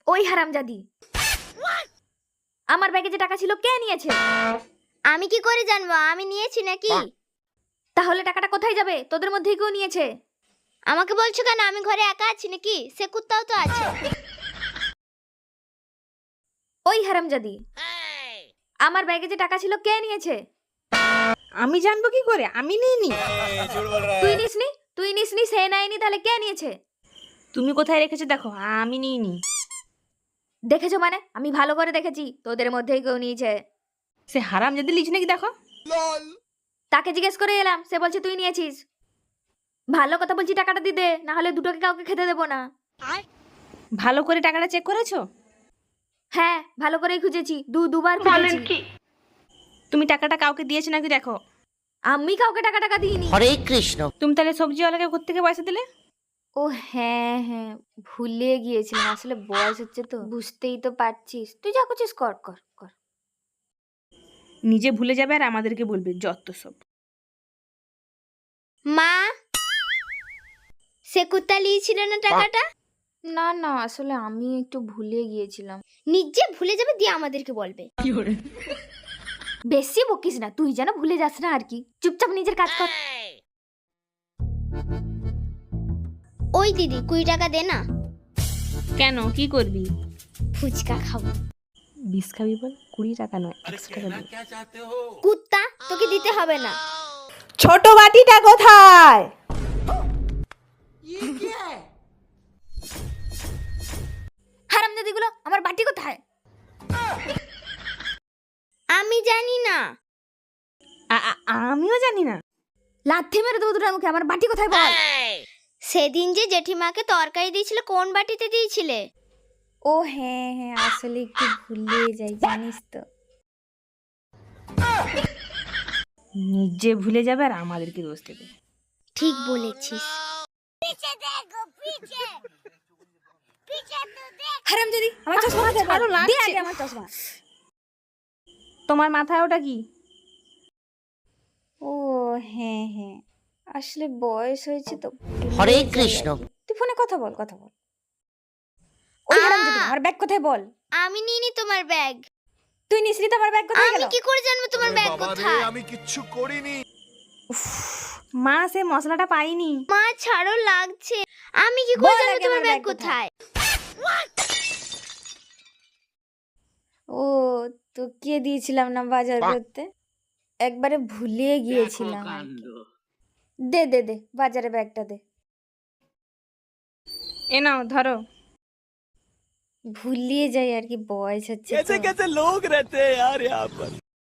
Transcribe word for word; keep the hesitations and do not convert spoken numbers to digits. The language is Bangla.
ওই হারামজাদি, আমার ব্যাগে যে টাকা ছিল কে নিয়েছে? আমি কি করে জানবো আমি নিয়েছি নাকি? তাহলে টাকাটা কোথায় যাবে? তোদের মধ্যেই কেউ নিয়েছে। আমাকে বলছো কেন? আমি ঘরে একা আছি নাকি? সে কুত্তাও তো আছে। ওই হারামজাদি, আমার ব্যাগে যে টাকা ছিল কে নিয়েছে? আমি জানবো কি করে? আমি নিইনি। তুই নিসনি? তুই নিসনি, সে নেয়নি, তাহলে কে নিয়েছে? তুমি কোথায় রেখেছো দেখো, আমি নিইনি। দেখেছো মানে? আমি ভালো করে দেখেছি, তোদের মধ্যেই কেউ নিয়েছে। সে হারাম যদি লিচ নাকি দেখো। তাকে জিজ্ঞেস করে এলাম, সে বলছে তুই নিয়েছিস। ভালো কথা বলছি, টাকাটা দিয়ে দে, না হলে দুটোকে কাউকে খেতে দেবো না। ভালো করে টাকাটা চেক করেছো? হ্যাঁ, ভালো করেই খুঁজেছি, দু দুবার খুঁজেছি। তুমি টাকাটা কাউকে দিয়েছো নাকি দেখো। আমি কাউকে টাকা টাকা দিইনি। হরে কৃষ্ণ। তুমি তাহলে সবজিওয়ালাকে কোত্থেকে পয়সা দিলে? ও হ্যাঁ হ্যাঁ, ভুলে গিয়েছিলাম, আসলে বয়স হচ্ছে তো, বুঝতেই তো পারছিস। তুই যা করছিস কর কর কর। নিজে ভুলে যাবে আর আমাদেরকে বলবে, যত সব। মা, সে কুত্তা নিয়েছিল না টাকাটা? না না, আসলে আমি একটু ভুলে গিয়েছিলাম। নিজে ভুলে যাবে দিয়ে আমাদেরকে বলবে। বেশি বকিস না, তুই যেন ভুলে যাস না আর কি। চুপচাপ নিজের কাজ কর। ওই দিদি কুড়ি টাকা দে না, কেন, কি করবি? ফুচকা খাবো। বিষ খাবি বল? কুড়ি টাকা নয়, একশো টাকা দিবি। কুত্তা, তোকে দিতে হবে না। ছোট বাটিটা কোথায়? হারামজাদি গুলো, আমার বাটি কোথায়? আমি জানি না। আ- আ- আমিও জানি না। লাথি মেরে দেবো দুটার মুখে। আমার বাটি কোথায় বল? সেদিন যে জেঠিমাকে তরকারি দিয়েছিলে কোন বাটিতে দিয়েছিলে? ও হ্যাঁ হ্যাঁ, আসলে একটু ভুলে যাই, জানিস তো। নিজে ভুলে যাবে আর আমাদেরকে দোষ দেবে। ঠিক বলেছিস। হারামজাদি, আমার চশমা কোথায়? ছাড়ো, বল। লাগছে। দে আগে আমার চশমা। তোমার মাথায় ওটা কি? ও হ্যাঁ হ্যাঁ, আসলে বয়স হয়েছে তো, ভুলে হরে যাই কৃষ্ণ। আর কি। তুই ফোনে কথা বল, কথা বল। ওই হারামজাদি, আমার ব্যাগ কোথায় বল? আমি নিইনি তোমার ব্যাগ। তুই নিসনি তো, আমার ব্যাগ কোথায় আমি গেল? কি করে জানবো তোমার ব্যাগ কোথায়? আমি কিচ্ছু করিনি। মা, সে মশলাটা পাইনি। মা ছাড়ো, লাগছে। আমি কি করে বল জানবো আগে তোমার আমার ব্যাগ ব্যাগ কোথায়? ও, তোকে দিয়েছিলাম না বাজার করতে, একবারে ভুলে গিয়েছিলাম আর কি। দে দে দে, বাজারে ব্যাগটা দে। এ নাও ধরো। ভুলিয়ে যাই আর কি, বয়স হচ্ছে তো। कैसे कैसे लोग रहते हैं यार यहाँ पर।